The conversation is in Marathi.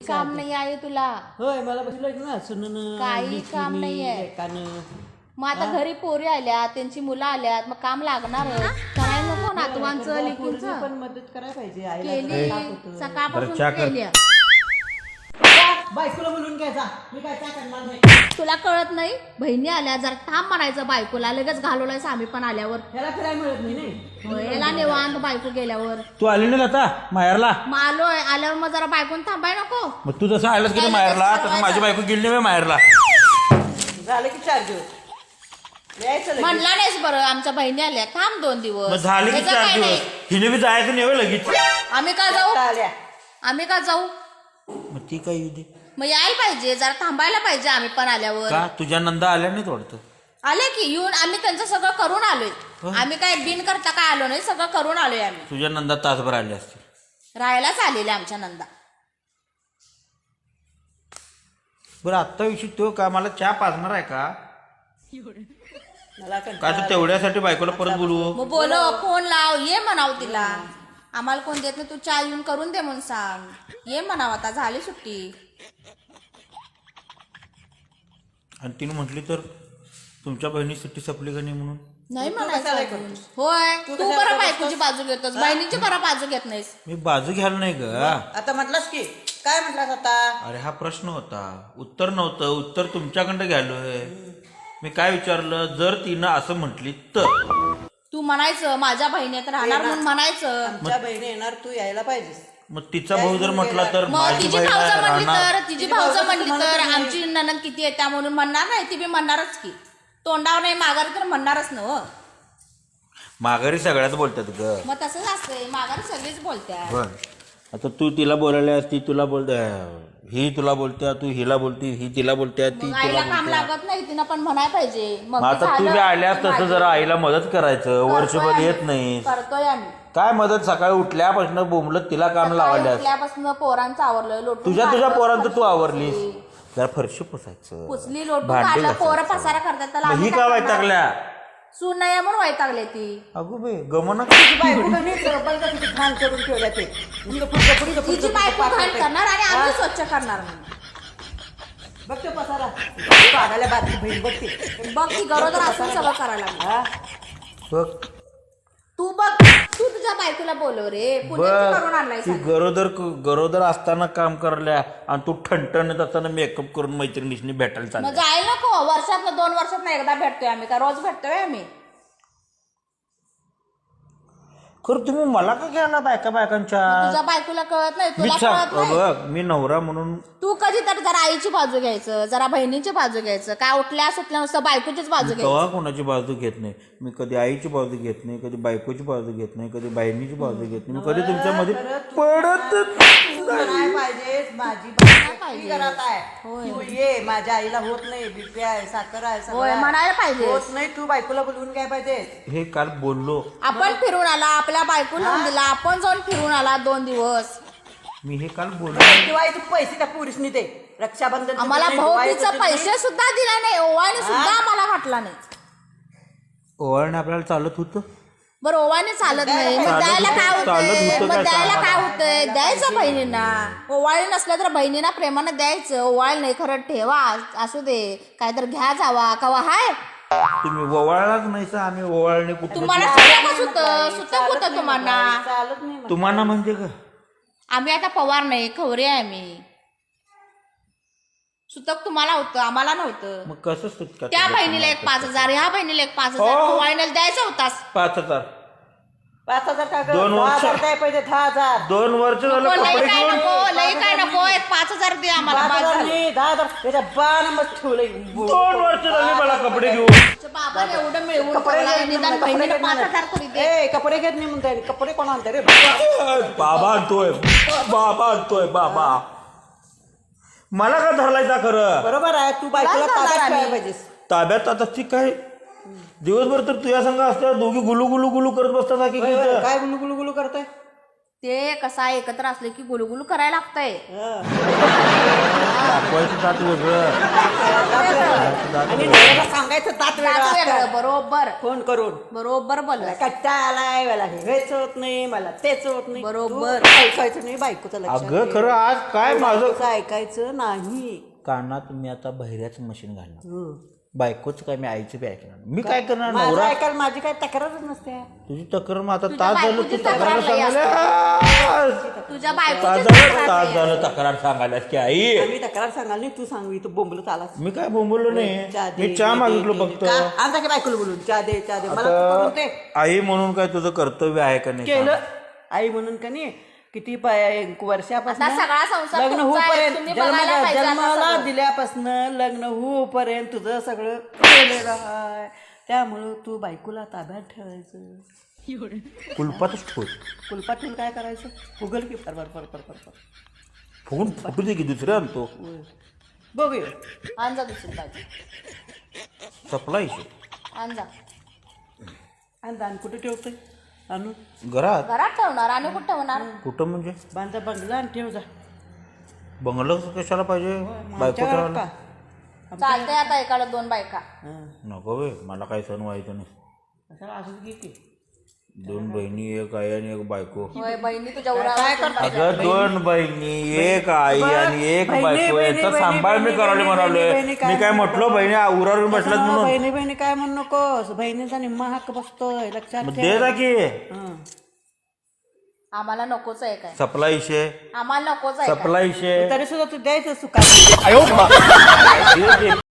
काम नाही आहे तुला. होय मला बसलं ना सुनन काही काम नाहीये. एकानं मग आता घरी पोरी आल्यात, त्यांची मुलं आल्यात, मग काम लागणार करायला नको नातवांचं लेकींचं. पण मदत करायला पाहिजे आईला. केली सकाळपासून चहा कर. केली. बायकोला बोलून घ्यायचा मी काय काय करणार नाही. तुला कळत नाही, बहिणी आल्या जरा थांब म्हणायचं बायकोला, लगेच घालवलाय आम्ही पण आल्यावर. ह्याला फिरायला मिळत नाही नाही. याला निवांत बायको गेल्यावर तू आली नाही आता माहेरला. मग आलोय, आल्यावर मग जरा बायकोन थांबाय नको. मग तू जसं आलास की माहेरला तसं माझी बायको गेली नाही माहेरला. झालं की 4 दिवस यायचं लगेच. म्हणला नाहीस बरं, आमच्या बहिणी आल्या, थांब 2 दिवस. मग झाले की त्याचं 4 काय दिवस. नाही. हिने बी जायचं नाही होय लगेच. आम्ही का जाऊ, आल्या आम्ही का जाऊ. मग ती काय येऊ दे. मग यायला पाहिजे, जरा थांबायला पाहिजे आम्ही पण आल्यावर. का तुझ्या नंदा आल्या नाही वाटतं. आले की येऊन आम्ही त्यांचं सगळं करून आलोय. आम्ही काय बिन करता काय आलो नाही, सगळं करून आलोय आम्ही. तुझ्या नंदा तासभर आले असते. राहायलाच आलेले आमच्या नंदा. बरं आत्ता विषय तो का मला चहा पाजणार आहे का मला काय तर तेवढ्यासाठी बायकोला परत बोलवू. मग बोलव, फोन लाव, ये म्हणाव तिला. आम्हाला कोण देत नाही, तू चहा येऊन करून दे म्हणून सांग. ये म्हणाव, आता झाली सुट्टी. आणि तिने म्हटली तर तुमच्या बहिणी सुट्टी संपली का नाही म्हणून. नाही तू म्हणायचं कशाला अजून. करतोस? होय, तू तू कशाला बरं बायकोची बाजू घेतोस, बहिणीची बरं बाजू घेत नाहीस. मी बाजू घ्यायला नाही ग. आता म्हटलास की काय म्हटलास आता. अरे हा प्रश्न होता, उत्तर नव्हतं. उत्तर तुमच्याकडे घ्यालोय. मी काय विचारलं, जर तिनं असं म्हटली तर तू म्हणायचं माझ्या बहिणीत राहणार म्हणून म्हणायचं. आमच्या बहिणी येणार तू यायला पाहिजेस. मग तिचा भाऊ जर म्हटला तर मग माझी तिची बहीण भाऊजं म्हणली राहणार. तर, तिची भाऊजं म्हणली तर आमची ननंद किती येत्या म्हणून म्हणणार नाही, ती बी म्हणणारच की. तोंडावर नाही माघारी तर म्हणणारच ना हो. माघारी सगळ्याच बोलतात ग. मग तसंच असतंय, माघारी सगळीच बोलत्या. बर आता तू तिला बोलायला ती तुला बोलते, ही तुला बोलत्या, तू हिला बोलती, ही तिला बोलत्या, ती मग तुला आईला काम बोलत्या. लागत नाही, तिनं पण म्हणाय पाहिजे. मग मग आता तू बी आल्यास तसं जरा आईला मदत करायचं. वर्षभर येत नाही करतोय आम्ही. काय मदत. सकाळी उठल्यापासून बोंबलत तिला काम लावायला. उठल्यापासून पोरांचं आवरलं, लोटून तुझ्या काढलं, पोरांचं तू फरशी आवरलीस. पुसली. जरा फरशी पुसायचं, पुसली, लोटून भांडी काढलं, पोरं घासायचं. पसारा करतात, त्याला मग आम्ही ही काय का करणार? वैतागल्या. सून नाही म्हणून वैतागले ती. अगो बे गमना. बायको कधी सरपंच किती घाण करून ठेवल्या ते. तिची बायको घाण करणार आणि आम्ही स्वच्छ करणार म्हणून. बघ ते पसारा पाडायला बारकी बहीण बघते. बघ ती गरोदर असून सगळं करायला लागली. हा बघ तू बघ, तू तुझ्या बायकोला बोलव रे, पुण्याची करून आणलाय ती गरोदर असताना काम करल्या आणि तू ठणठणत असताना मेकअप करून मैत्रिणीशी भेटायला मग चालल्या. जायला नको. वर्षातनं 2 वर्षातनं एकदा भेटतोय आम्ही, का रोज भेटतोय आम्ही. खरं तुम्ही मला का घ्यायला बायकांच्या. तुझ्या बायकोला कळत नाही, मी तुला कळत नाही. बघ मी नवरा म्हणून तू कधी तर जरा आईची बाजू घ्यायचं, जरा बहिणीची बाजू घ्यायचं. काय उठल्या सुटल्या नुसतं बायकोचीच बाजू घ्यायची. कवा कोणाची बाजू घेत नाही. मी कधी आईची बाजू घेत नाही, कधी बायकोची बाजू घेत नाही, कधी बहिणीची बाजू घेत नाही. मी कधी तुमच्यामध्ये पडत नाही पाहिजे. माझी बायको घरात आहे. तू ये, माझ्या आईला होत नाही, बीपी आहे, साखर आहे, सगळं होय, आहे. म्हणायला पाहिजे. होत नाही, तू बायकोला बोलवून काय पाहिजे. हे काल बोललो आपण फिरून आला, आपल्या बायको लावून दिला, आपण जाऊन फिरून आला 2 दिवस. मी हे काल बोललो. दिवाळीचे पैसे त्या पुरुषनी दे. रक्षाबंधन आम्हाला भाऊबीचा पैसे सुद्धा दिला नाही, ओवाळणी सुद्धा आम्हाला घातला नाही. ओवाळणे आपल्याला चालत होतं. बरं ओवाळणी चालत नाही, मग चालत द्यायला काय होतं, चालत होतंय, होतं मग काय द्यायला सांगा. काय होतंय, द्यायचं बहिणींना. ओवाळी नसलं तर बहिणींना प्रेमानं द्यायचं. ओवाळ नाही खरं ठेवा, असू दे, काय तर घ्या जावा कवा हाय. तुम्ही ओवाळलाच नाही सा. आम्ही ओवाळणे कुठे तुम्हाला सुतकच होतं, सुतक होतं तुम्हाला. चालत नाही मला. तुम्हाला म्हणजे का. आम्ही आता पवार नाही, खवरे आहे आम्ही. सुतक तुम्हाला होतं, आम्हाला नव्हतं. मग कसं सुटका. त्या बहिणीला एक 5,000, ह्या बहिणीला एक 5,000 हो. ओवाळीला द्यायचा होतास. 5,000 5,000 टाका. 2 वर्ष. 10,000 द्याय पाहिजे. 10,000. 2 वर्ष झालं लई कपडे काय घेऊन. नको, लई काय नको, एक 5,000 दे आम्हाला. 5,000 बास झालं. नाही, 10,000. त्याच्या 12 नंबर ठेवलंय. 2 वर्ष झाली मला कपडे घेऊन. तुझ्या बाबाला एवढं मिळवून कपडे ठेवलंय, घेत निदान नाही, बहिणीला कपडे घेत 5,000 तरी दे. ए, कपडे घेत नाही म्हणताय. कपडे कोण आणते रे. बाबा आणतोय, बाबा आणतोय, बाबा. मला का धरलायचा खरं. बरोबर आहे. तू बायकोला काय ताब्यात करणार ठेवायला आम्ही? पाहिजेस. ताब्यात आता ती काय दिवसभर तर तुझ्या संघ असतात दोघी गुलू गुलू गुलू करत बसतात की होय, होय. काय गुलू गुलू गुलू करताय. ते कसा एकत्र असले की गुलगुल करायला लागतंय. दाखवायचं दात वेगळं. आणि नवऱ्याला सांगायचं दात वेगळं दात वेगळं, असतं. बरोबर फोन करून बरोबर बोलला. कंटाळा आलाय, मला हेच होत नाही, मला तेच होत नाही. बरोबर. तू ऐकायचं नाही बायकोचं लक्षात अगं ठेव. खरं आज काय माझं बायकोचं ऐकायचं नाही. कानात मी आता बहिऱ्याचं मशीन घालणार. बायकोच काय मी आईचं बी ऐकणार. मी काय करणार? माझं नवरा ऐकायला माझी काही तक्रारच नसते. तुझी तक्रार मग आता तुझ्या तास झालं तू बायकोची तक्रार तक्रार लई सांगायला. तुझ्या तास बायकोची झालं तक्रार सांगायला की आई आम्ही तक्रार सांगाल नाही, तू सांगू तू बोंबलत आलास. मी काय बोंबलो नाही. चहा दे, मी चहा दे, मागितलो दे, फक्त. दे. का? आमचा की बायकोला बोलून चहा दे चहा दे, मला तू करून दे. आता आई म्हणून काय तुझं कर्तव्य आहे का नाही? केलं आई म्हणून का नाही किती वर्षापासून आता सगळा संसार लग्न तुमचा आहे, होऊपर्यंत तुम्ही बघायला पाहिजे आता जन्माला सगळं. दिल्यापासून लग्न होऊपर्यंत तुझं सगळं केलेलं आहे. त्यामुळं तू बायकोला ताब्यात ठेवायचं. कुलपातच ठेव. कुलपात ठेवून काय करायचं? फुगल की फर फर फर फर फर. फुगून फुटू दे की दुसरं आणतो. बघूया आणजा दुसरी बाजू, सपला इशू आणजा. आणि दान कुठे ठेवतोय? आणू घरात. घरात ठेवणार आणि कुठं ठेवणार? कुठं म्हणजे बांधा बंगला आणि ठेव जा. बंगलं कशाला पाहिजे? बायको आमच्या घरात ठेवायला का? चालतंय आता एकाला 2 बायका. हं. नको बे, मला काही सण व्हायचं नाही. कशाला असंच घे की. 2 बहिणी, एक आई आणि एक बायको. होय, बहिणी तुझ्या काय उरावर करता? अगं 2 बहिणी, एक आई आणि एक बहिणी, बायको बहिणी, याचा बहिणी, सांभाळ मी बहिणी, करायला बहिणी, म्हणालोय. बहिणी, काय मी काय म्हटलं बहिणी उरावर बसल्यात म्हणून? बहिणी बहिणी काय म्हणू नकोस. बहिणीचा निम्मा हक्क बसतोय, लक्षात मग ठेव. दे जा की. हं. आम्हाला नकोच आहे काय, सपला विषय, आम्हाला नकोच आहे काय. सपला विषय. तरी सुद्धा तू द्यायचं सुखात.